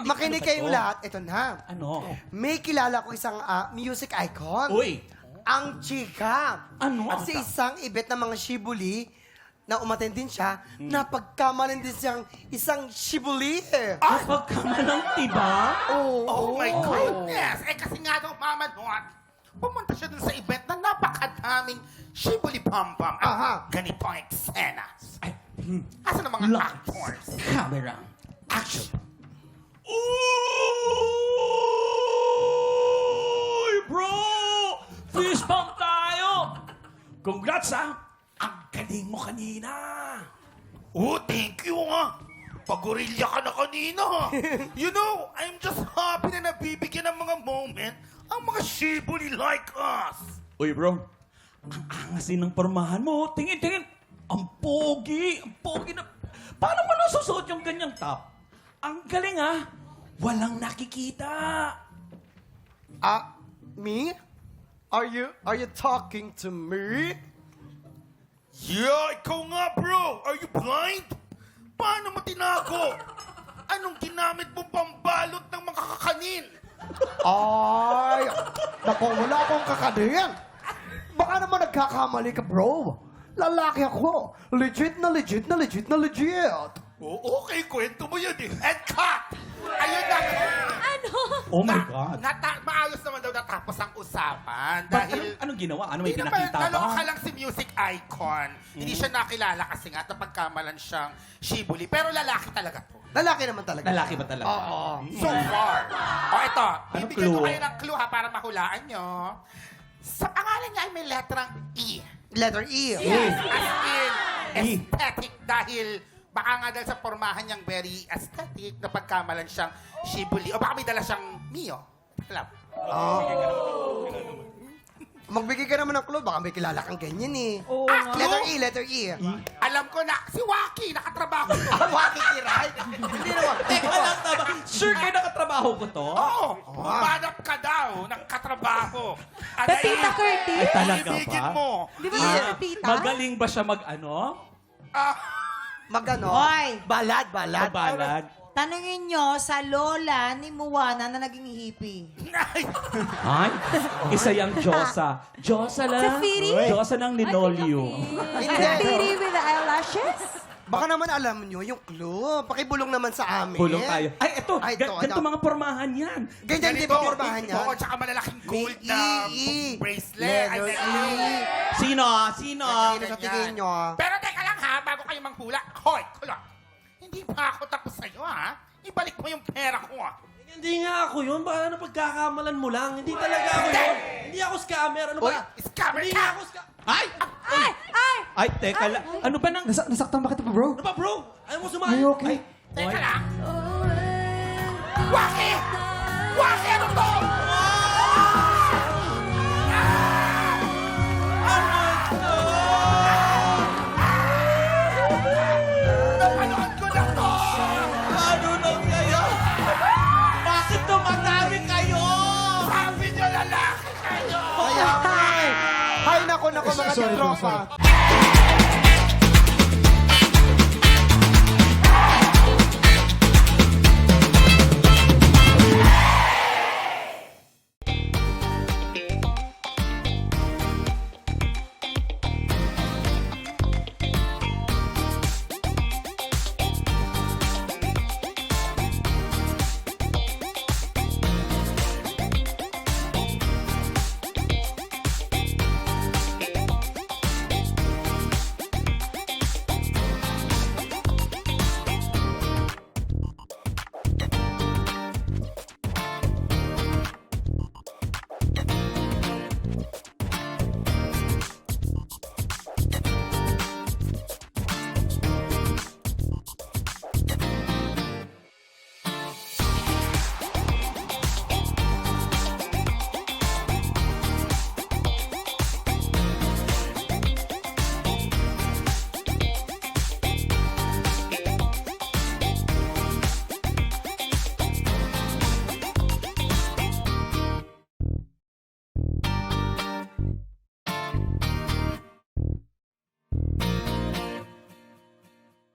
Makinig kayong lahat. Ito na. Ano? May kilala ko isang music icon. Uy! Ang chika. Ano? At sa isang ibet ng mga shibuli, na umaten din siya, napagkamalan din siyang isang shibuli. Pagkamalang tiba? Oh my goodness! Kasi nga daw, Mama Nuat, pumunta siya dun sa event na napakadaming shibuli-pam-pam. Aha. Ganito ang eksena. Ay, Asa ng mga Lights. actors? camera, action! Uy, bro! Fist bump tayo! Congrats, ha! Ang galing mo kanina! Oh, thank you Pagorilya ka na kanina You know, I'm just happy na nabibigyan ng mga moment ang mga shibuli like us. Uy, bro. Ang angasin ng pormahan mo. Tingin, tingin. Ang pogi. Ang pogi na... Paano mo nasusuot yung ganyang top? Ang galing, ha? Walang nakikita. Me? Are you talking to me? Yeah, ikaw nga, bro. Are you blind? Paano mo tinago? Anong ginamit mo pambalot ng mga kakanin? Ay, naku, wala akong kakanin. Baka naman nagkakamali ka, bro. Lalaki ako. Legit na legit na legit na legit. Oh, okay, kwento mo yun And cut! Ayun na. Oh my God. Maayos naman daw natapos ang usapan. But Dahil... anong ginawa? Ano may Hindi pinakita naman, naloka ba? lang si music icon. Hindi siya nakilala kasi nga napagkamalan siyang shibuli. Pero lalaki talaga to. Lalaki naman talaga. Lalaki ba talaga? Oo. So far. O ito, Anong bibigyan ko clue? kayo ng clue ha para mahulaan nyo. Sa pangalan niya ay may letrang E. Letter E. Yes, as in E. aesthetic dahil baka nga dahil sa pormahan niyang very aesthetic na pagkamalan siyang shibuli. O baka may dala siyang Mio. Alam. Magbigay ka naman ng clue. Baka may kilala kang ganyan eh. Oo Letter E, letter E. Alam ko na, si Waki, nakatrabaho ko. Waki kiray? Hindi naman. Teka lang, tama. Sure kayo nakatrabaho ko to? Oo, humanap ka daw ng katrabaho. At Pepita Curtis? Ay, talaga ibigin ba? mo. Di ba siya Pepita? Magaling ba siya mag-ano? Magano? Hoy! Balad, balad. Mabalad? Tanungin nyo sa lola ni Moana na naging hippie. Ay, isa yung Diyosa. Diyosa lang. Safiri? Diyosa ng linoleum. Hindi. Safiri with the eyelashes? Baka naman alam nyo yung clue. Pakibulong naman sa amin. Kulong tayo. Ay, ito. Ay, ito, Ganito ito. mga pormahan yan. Ganyan di ba pormahan niya? Oo, tsaka malalaking gold na E. bracelet. Ay, Letter ay, E. Sino? Sino? Sino sa tingin nyo? Pero teka lang ha, bago kayo manghula. Hoy, kulot. Hindi pa ako tapos sa'yo ha. Ibalik mo yung pera ko ha. Hindi nga ako yun. Baka napagkakamalan mo lang. Hindi talaga ako yun. Hindi ako scammer. Ano Uy, ba? Scammer Hindi ka! nga ako scammer. Ay! Ay! Ay! Ay, teka lang. Ano ba nang... Nasaktan ba kita pa, bro? Ano ba, bro? Ayaw mo sumali? okay? Teka lang. Waki! Waki, ano to? Napanood ko na to! Ano lang kayo? Bakit tumatami kayo? Sabi niyo lalaki kayo! Ay, nako, mga tropa.